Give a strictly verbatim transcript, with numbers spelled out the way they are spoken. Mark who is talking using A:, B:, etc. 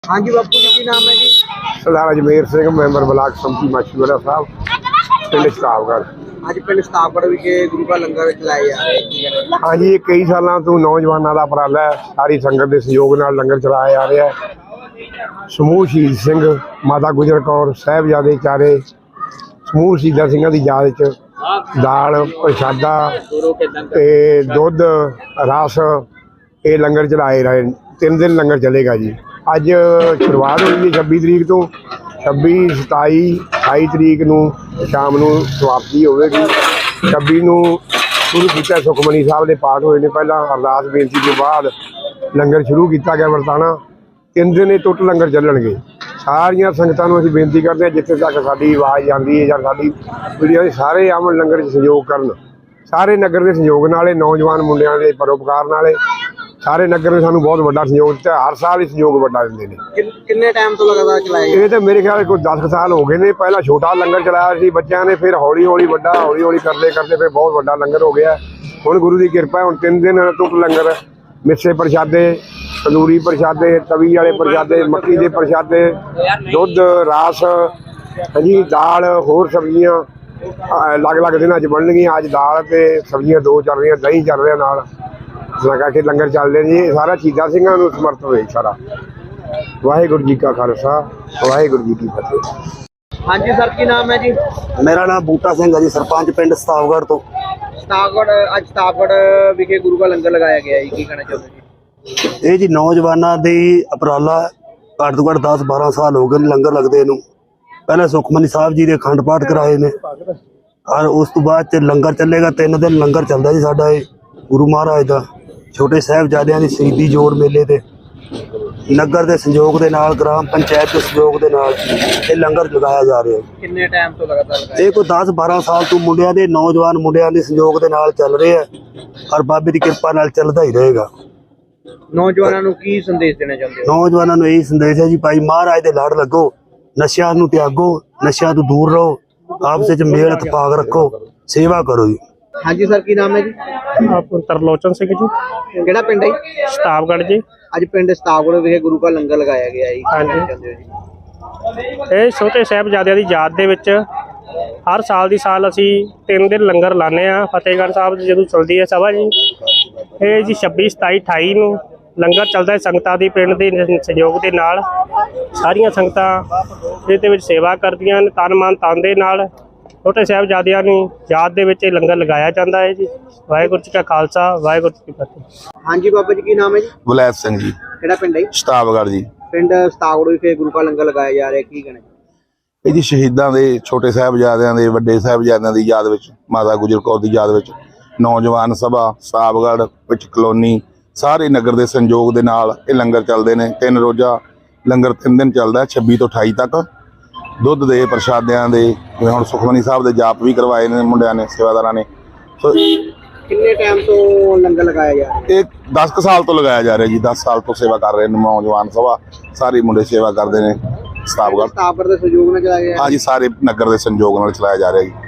A: हाँ जी बापू जी, की नाम है जी?
B: सरदार अजमेर सिंह, मैंबर ब्लाक संमति माछीवाड़ा साहब, पिंड सताबगढ़।
A: ਅੱਜ ਪਿੰਡ ਸਤਾਬਗੜ੍ਹ ਵਿਖੇ ਗੁਰੂ ਕਾ ਲੰਗਰ ਚਲਾਏ ਜਾ ਰਹੇ ਕੀ ਕਹਿਣਾ?
B: हाँ जी, ये कई सालों तो नौजवानों का उपराला है, सारी संगत के सहयोग नाल लंगर चलाया जा रहा है। समूह शहीद सिंह, माता गुजर कौर, साहिबजादे चारे समूह शहीदा सिंह की याद च दाल प्रशादा ते दुध रस ये लंगर चलाए रहे। तीन दिन लंगर चलेगा जी। अज शुरुआत हुई है छब्बी तरीक तो, छब्बी सताई अठाई तरीक नूं शाम नूं समाप्ति होगी। छब्बी नूं शुरू किया सुखमनी साहब के पाठ होए ने, पहला अरदास बेनती के बाद लंगर शुरू किया गया वरताना। तीन दिन ये टुट लंगर चलणगे। सारिया संगतां नूं असीं बेनती करते हैं जिथे तक साडी आवाज़ आती है जां साडी वीडियो सारे आवन लंगर च सहयोग करन। सारे नगर के सहयोग नाल, नौजवान मुंडियां दे परोपकार नाल सारे नगर ने सानू बहुत बड़ा सहयोग दिता। हर साल ही सहयोग बड़ा दिंदे ने।
A: किन्ने टाइम तो लगातार चलाए?
B: ये तो मेरे ख्याल कोई दस साल हो गए ने। पहला छोटा लंगर चलाया सी बच्चों ने, फिर हौली हौली बड़ा, हौली हौली करते करते फिर बहुत बड़ा लंगर हो गया। हुण गुरु की कृपा है, हुण तीन दिन टुट लंगर, मिस्से प्रशादे, तंदूरी प्रशादे, तवी वाले प्रशादे, मक्की के प्रशादे, दुध रस, जी दाल, होर सब्जियां अलग अलग दिन च बननगियां। अज दाल ते सब्जियां दो चल रही, दही चल रहा नाल लगा के लंगर चल रहे जी। सारा शहीदां सिंघां नूं समर्थ होए सारा। वाहिगुरू जी का खालसा, वाहिगुरू जी की फतेह।
A: हाँ जी सर, की नाम है जी?
C: मेरा नाम बूटा सिंह है जी, सरपंच पिंड सताबगढ़ तो।
A: ਸਤਾਬਗੜ੍ਹ ਅੱਜ ਸਤਾਬਗੜ੍ਹ ਵਿਖੇ ਗੁਰੂ ਕਾ ਲੰਗਰ ਲਗਾਇਆ ਗਿਆ ਜੀ, ਕੀ ਕਹਿਣਾ ਚਾਹੁੰਦੇ ਜੀ?
C: ਇਹ ਜੀ ਨੌਜਵਾਨਾਂ ਦੀ ਉਪਰਾਲਾ ਘੱਟ ਤੋਂ ਘੱਟ ਦਸ ਬਾਰਾਂ ਸਾਲ ਹੋ ਗਏ ਨੇ ਲੰਗਰ ਲੱਗਦੇ ਨੂੰ। ਪਹਿਲਾਂ ਸੁਖਮਨੀ ਸਾਹਿਬ ਜੀ ਦੇ ਅਖੰਡ ਪਾਠ ਕਰਾਏ ਨੇ, ਔਰ ਉਸ ਤੋਂ ਬਾਅਦ ਚ ਲੰਗਰ ਚੱਲੇਗਾ। ਤਿੰਨ ਦਿਨ ਲੰਗਰ ਚੱਲਦਾ ਜੀ ਸਾਡਾ ਇਹ ਗੁਰੂ ਮਹਾਰਾਜ ਦਾ। ਛੋਟੇ ਸਾਹਿਬਜ਼ਾਦਿਆਂ ਦੀ ਸ਼ਹੀਦੀ ਜੋੜ ਮੇਲੇ ਤੇ ਨਗਰ ਦੇ ਸੰਯੋਗ ਦੇ ਨਾਲ, ਗ੍ਰਾਮ ਪੰਚਾਇਤ ਦੇ ਸੰਯੋਗ ਦੇ ਨਾਲ ਇਹ ਲੰਗਰ ਲਗਾਇਆ ਜਾ ਰਿਹਾ ਹੈ।
A: ਕਿੰਨੇ ਟਾਈਮ ਤੋਂ ਲਗਾਤਾਰ ਲਗਾਇਆ?
C: ਇਹ ਕੋਈ ਦਸ ਬਾਰਾਂ ਸਾਲ ਤੋਂ ਮੁੰਡਿਆਂ ਦੇ, ਨੌਜਵਾਨ ਮੁੰਡਿਆਂ ਦੇ ਸੰਯੋਗ ਦੇ ਨਾਲ ਚੱਲ ਰਿਹਾ ਹੈ, ਔਰ ਬਾਬੇ ਦੀ ਕਿਰਪਾ ਨਾਲ ਚੱਲਦਾ ਹੀ ਰਹੇਗਾ।
A: ਨੌਜਵਾਨਾਂ ਨੂੰ ਕੀ ਸੰਦੇਸ਼ ਦੇਣਾ ਚਾਹੁੰਦੇ ਹੋ?
C: ਨੌਜਵਾਨਾਂ ਨੂੰ ਇਹੀ ਸੰਦੇਸ਼ ਹੈ ਜੀ, ਭਾਈ ਮਹਾਰਾਜ ਦੇ ਲੜ ਲੱਗੋ, ਨਸ਼ਿਆਂ ਨੂੰ ਤਿਆਗੋ, ਨਸ਼ਿਆਂ ਤੋਂ ਦੂਰ ਰਹੋ, ਆਪਸ ਵਿੱਚ ਮੇਲ ਇਤਫਾਕ ਰੱਖੋ, ਸੇਵਾ ਕਰੋ ਜੀ।
A: हाँ जी सर, की नाम है जी?
D: आप तरलोचन सिंह जी,
A: ਕਿਹੜਾ ਪਿੰਡ ਹੈ ਜੀ?
D: ਸਤਾਬਗੜ੍ਹ ਜੀ।
A: ਅੱਜ ਪਿੰਡ ਸਤਾਬਗੜ੍ਹ ਵਿਖੇ ਗੁਰੂ ਕਾ ਲੰਗਰ ਲਗਾਇਆ ਗਿਆ ਜੀ, ਕੀ
D: ਹਾਂਜੀ।
A: ਕਹਿਣਾ ਚਾਹੁੰਦੇ ਹੋ ਜੀ?
D: ਇਹ ਛੋਟੇ ਸਾਹਿਬਜ਼ਾਦਿਆਂ ਦੀ ਯਾਦ ਦੇ ਵਿੱਚ ਹਰ ਸਾਲ ਦੀ ਸਾਲ ਅਸੀਂ ਤਿੰਨ ਦਿਨ ਲੰਗਰ ਲਾਉਂਦੇ ਹਾਂ। ਫਤਿਹਗੜ੍ਹ ਸਾਹਿਬ ਜਦੋਂ ਚਲਦੀ ਹੈ ਸਭਾ ਜੀ, ਇਹ ਜੀ ਛੱਬੀ ਸਤਾਈ ਅਠਾਈ ਨੂੰ ਲੰਗਰ ਚੱਲਦਾ ਹੈ ਸੰਗਤਾਂ ਦੀ ਪਿੰਡ ਦੇ ਸਹਿਯੋਗ ਦੇ ਨਾਲ। ਸਾਰੀਆਂ ਸੰਗਤਾਂ ਇਹਦੇ ਵਿੱਚ ਸੇਵਾ ਕਰਦੀਆਂ ਨੇ, ਤਨ ਮਨ ਤਨ ਦੇ ਨਾਲ। ਛੋਟੇ ਸਾਹਿਬਜ਼ਾਦਿਆਂ ਨੂੰ ਯਾਦ ਦੇ ਵਿੱਚ ਇਹ ਲੰਗਰ ਲਗਾਇਆ ਜਾਂਦਾ ਹੈ ਜੀ। ਵਾਹਿਗੁਰੂ ਜੀ ਕਾ ਖਾਲਸਾ, ਵਾਹਿਗੁਰੂ ਜੀ ਕੀ ਫਤਿਹ।
A: हाँ जी बाबा जी, की नाम है जी?
E: ਬਲੈਤ ਸਿੰਘ ਜੀ,
A: ਕਿਹੜਾ ਪਿੰਡ ਹੈ ਜੀ?
E: ਸਤਾਬਗੜ੍ਹ ਜੀ।
A: ਪਿੰਡ ਸਤਾਬਗੜ੍ਹ ਵਿਖੇ ਗੁਰੂ ਕਾ ਲੰਗਰ ਲਗਾਇਆ ਜਾ ਰਿਹਾ, ਕੀ ਕਹਿਣਾ?
E: ਇਹ ਜੀ ਸ਼ਹੀਦਾਂ ਦੇ, ਛੋਟੇ ਸਾਹਿਬਜ਼ਾਦਿਆਂ ਦੇ, ਵੱਡੇ ਸਾਹਿਬਜ਼ਾਦਿਆਂ ਦੀ ਯਾਦ ਵਿੱਚ, ਮਾਤਾ ਗੁਜਰ ਕੌਰ ਦੀ ਯਾਦ ਵਿੱਚ ਨੌਜਵਾਨ ਸਭਾ ਸਤਾਬਗੜ੍ਹ ਵਿੱਚ ਕਲੋਨੀ ਸਾਰੇ ਨਗਰ ਦੇ ਸੰਯੋਗ ਦੇ ਨਾਲ ਇਹ ਲੰਗਰ ਚੱਲਦੇ ਨੇ। ਤਿੰਨ ਰੋਜ਼ਾ ਲੰਗਰ ਤਿੰਨ ਦਿਨ ਚੱਲਦਾ, ਛੱਬੀ ਤੋਂ ਅਠਾਈ ਤੱਕ। ਦੁੱਧ ਦੇ ਪ੍ਰਸ਼ਾਦਿਆਂ ਦੇ, ਜਿਵੇਂ ਹੁਣ ਸੁਖਮਨੀ ਸਾਹਿਬ ਦੇ ਜਾਪ ਵੀ ਕਰਵਾਏ ਨੇ ਮੁੰਡਿਆਂ ਨੇ, ਸੇਵਾਦਾਰਾਂ ਨੇ। ਸੋ
A: ਕਿੰਨੇ ਟਾਈਮ ਤੋਂ ਲੰਗਰ ਲਗਾਇਆ ਜਾ ਰਿਹਾ?
E: ਇਹ ਦਸ ਕੁ ਸਾਲ ਤੋਂ ਲਗਾਇਆ ਜਾ ਰਿਹਾ ਜੀ। ਦਸ ਸਾਲ ਤੋਂ ਸੇਵਾ ਕਰ ਰਹੇ ਨੇ ਨੌਜਵਾਨ ਸਭਾ, ਸਾਰੇ ਮੁੰਡੇ ਸੇਵਾ ਕਰਦੇ ਨੇ ਸਤਾਬਗੜ੍ਹ।
A: ਸਤਾਬਗੜ੍ਹ ਦੇ ਸਹਿਯੋਗ ਨਾਲ ਚਲਾਇਆ ਗਿਆ?
E: हाँ जी, सारे नगर के संयोग नाल चलाया जा रहा है।